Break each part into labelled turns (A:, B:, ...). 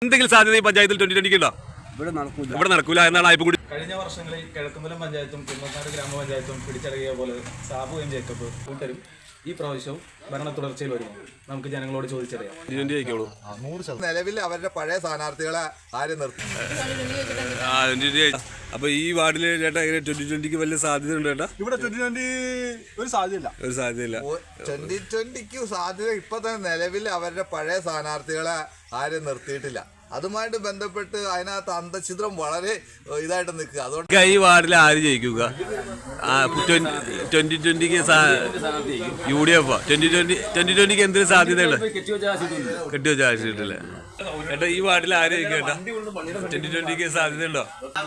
A: എന്തെങ്കിലും സാധ്യത ഈ പഞ്ചായത്തിൽ 2020 ഉണ്ടോ? ഇവിടെ നടക്കൂല എന്നാണ് ആയിപ്പം കൂടി.
B: കഴിഞ്ഞ വർഷങ്ങളിൽ കിഴക്കുമലം പഞ്ചായത്തും കുന്നത്താട് ഗ്രാമപഞ്ചായത്തും പിടിച്ചടക്കിയ പോലെ സാബു എം ജേക്കബ് കൂട്ടരും ഈ പ്രാവശ്യവും ഭരണ തുടർച്ചയിൽ വരുമോ? നമുക്ക് ജനങ്ങളോട് ചോദിച്ചറിയാം.
C: നിലവിൽ അവരുടെ പഴയ സ്ഥാനാർത്ഥികളെ ആരും നിർത്തും.
A: അപ്പൊ ഈ വാർഡില് ചേട്ടാ 2020 വലിയ സാധ്യത ഉണ്ട് ചേട്ടാ?
D: ഇവിടെ 2020 ഒരു സാധ്യതയില്ല.
C: 2020 സാധ്യത ഇപ്പൊ തന്നെ നിലവിൽ അവരുടെ പഴയ സ്ഥാനാർത്ഥികളെ ആരും നിർത്തിയിട്ടില്ല. അതുമായിട്ട് ബന്ധപ്പെട്ട് അതിനകത്ത് അന്തഛിദ്രം വളരെ ഇതായിട്ട് നിൽക്കുക. അതുകൊണ്ട്
A: ഈ വാർഡിൽ ആര് ജയിക്കുക? 2020 UDF 2020 എന്തിനു സാധ്യതയുണ്ട്? കെട്ടിവെച്ച ആവശ്യമില്ല ചേട്ടാ. ഈ വാർഡിൽ ആര് ജയിക്കും ചേട്ടാ? 2020 സാധ്യതയുണ്ടോ?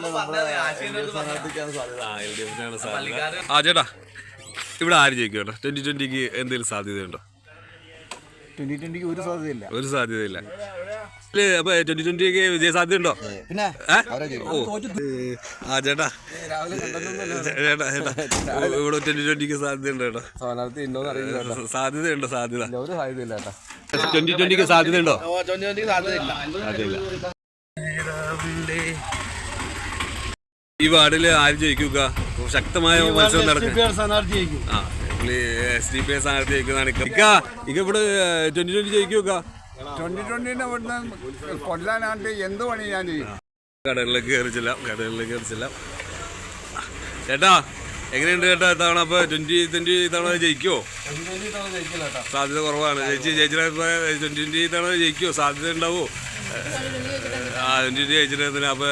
A: ചേട്ടാ ഇവിടെ ആര് ജയിക്കും ചേട്ടാ? 2020 എന്തെങ്കിലും സാധ്യതയുണ്ടോ?
D: 2020 ഒരു സാധ്യതയില്ല.
A: ഒരു സാധ്യതയില്ല. അപ്പൊ 2020 വിജയ സാധ്യത ഉണ്ടോ?
D: പിന്നെ
A: ചേട്ടാ ഇവിടെ 2020 സാധ്യതയുണ്ടോ ചേട്ടാ? സാധ്യതയുണ്ടോ? സാധ്യത 2020 സാധ്യതയുണ്ടോ? ഈ വാർഡില് ആര് ജയിക്കുക? ശക്തമായ മത്സരം നടക്കും. SDPI സ്ഥാനാർത്ഥി ജയിക്കുന്നതാണ്. ഇവിടെ 2020 ജയിക്കുക?
D: 2020 ഇവിടുന്ന് കൊല്ലാനാണ്ട് എന്ത് പണി ഞാൻ ചെയ്യും.
A: കടകളിലേക്ക് കയറിച്ചില്ല. ചേട്ടാ എങ്ങനെയുണ്ട് ചേട്ടാ ഇത്തവണ? അപ്പൊ 2020 ഇത്തവണ ജയിക്കുവോ? സാധ്യത കുറവാണ്. ചേച്ചിയുടെ 2020 ഇത്തവണ ജയിക്കുവോ? സാധ്യത ഉണ്ടാവോ? 2020 ജയിച്ചിട്ട് അപ്പൊ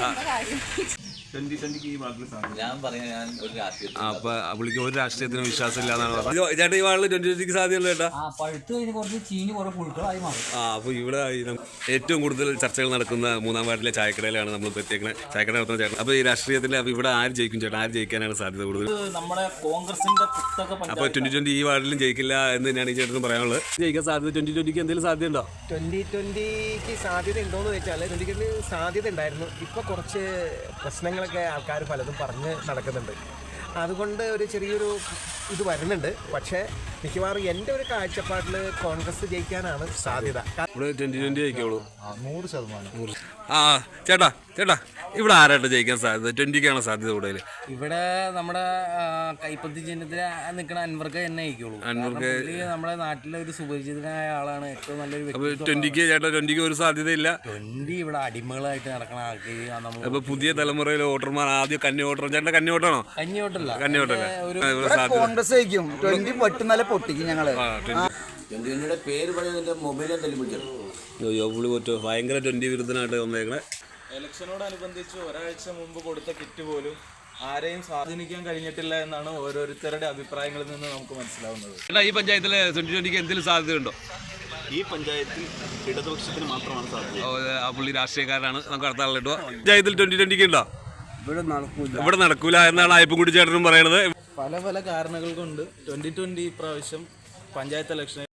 A: അപ്പൊ പുള്ളിക്ക് ഒരു രാഷ്ട്രീയത്തിനും വിശ്വാസമില്ല എന്നാണ് പറഞ്ഞത്. ചേട്ടാ ഈ വാളിൽ 2020 സാധ്യതയുള്ളൂ ചേട്ടാ? അപ്പൊ ഇവിടെ ഏറ്റവും കൂടുതൽ ചർച്ചകൾ നടക്കുന്ന 3-ാം വാർഡിലെ ചായക്കടയിലാണ് നമ്മൾ എത്തിയേക്കുന്നത്. ചായക്കട നടത്തുന്ന ചേട്ടൻ. അപ്പൊ ഈ രാഷ്ട്രീയത്തിൽ അപ്പൊ ഇവിടെ ആര് ജയിക്കും ചേട്ടാ? ആര് ജയിക്കാനാണ് സാധ്യത കൂടുതൽ? അപ്പൊ 2020 ഈ വാർഡിലും ജയിക്കില്ല എന്ന് തന്നെയാണ് ഈ ചേട്ടനും പറയാനുള്ളത്. ജയിക്കാൻ സാധ്യത 2020 എന്തെങ്കിലും സാധ്യത ഉണ്ടോ?
E: 2020 സാധ്യത ഉണ്ടോയെന്ന് വെച്ചാൽ 2020 സാധ്യത ഉണ്ടായിരുന്നു. ഇപ്പോൾ കുറച്ച് പ്രശ്നങ്ങളൊക്കെ ആൾക്കാർ പലതും പറഞ്ഞ് നടക്കുന്നുണ്ട്. അതുകൊണ്ട് ഒരു ചെറിയൊരു ഇത് വരുന്നുണ്ട്. പക്ഷേ മിക്കവാറും എൻ്റെ ഒരു കാഴ്ചപ്പാടിൽ കോൺഗ്രസ് ജയിക്കാനാണ് സാധ്യത.
A: ഇവിടെ 2020 ജയിക്കുള്ളൂ.
D: 100%.
A: ചേട്ടാ ഇവിടെ ആരായിട്ട് ജയിക്കാൻ സാധ്യത? 20ക്കാണോ സാധ്യത കൂടുതൽ?
F: ഇവിടെ നമ്മുടെ കൈപ്പത്തി ചിഹ്നത്തിൽ നിൽക്കുന്ന അൻവർക്ക് തന്നെ ജയിക്കുള്ളൂ. നമ്മുടെ നാട്ടിലെ ഒരു സുപരിചിതനായ ആളാണ്. ഏറ്റവും നല്ലൊരു വ്യക്തി.
A: 20ക്ക് ഒരു സാധ്യതയില്ല.
F: 20 ഇവിടെ അടിമകളായിട്ട് നടക്കുന്ന ആൾക്കാർ.
A: അപ്പൊ പുതിയ തലമുറയിലെ വോട്ടർമാർ ആദ്യം കന്നി വോട്ടർ. ചേട്ടൻ കന്നി വോട്ടാണോ?
F: കന്നി
D: കോൺഗ്രസ് ജയിക്കും. 20 പൊട്ടുന്നല്ല പൊട്ടിക്കും ഞങ്ങള്.
F: പേര് പറയുന്നതിന്റെ മൊബൈൽ
A: ഭയങ്കര 20 വിരുദ്ധനായിട്ട് വന്നേക്കണേ.
B: ഇലക്ഷനോടനുബന്ധിച്ച് ഒരാഴ്ച മുമ്പ് കൊടുത്ത കിറ്റ് പോലും ആരെയും സ്വാധീനിക്കാൻ കഴിഞ്ഞിട്ടില്ല എന്നാണ് ഓരോരുത്തരുടെ അഭിപ്രായങ്ങളിൽ നിന്ന് നമുക്ക് മനസ്സിലാവുന്നത്.
A: ഈ പഞ്ചായത്തിലെ 2020 എന്തെങ്കിലും സാധ്യതയുണ്ടോ?
G: ഈ പഞ്ചായത്തിൽ ഇടതുപക്ഷത്തിന് മാത്രമാണ് സാധ്യത.
A: പുള്ളി രാഷ്ട്രീയക്കാരാണ്. നമുക്ക് അടുത്ത ആളിൽ ഇടുക. പഞ്ചായത്തിൽ 2020 ഉണ്ടോ? ഇവിടെ നടക്കൂല എന്നാണ് ആയിപ്പം കൂടി ചേട്ടനും പറയണത്.
B: പല കാരണങ്ങൾ കൊണ്ട് 2020 പ്രാവശ്യം പഞ്ചായത്ത് ഇലക്ഷൻ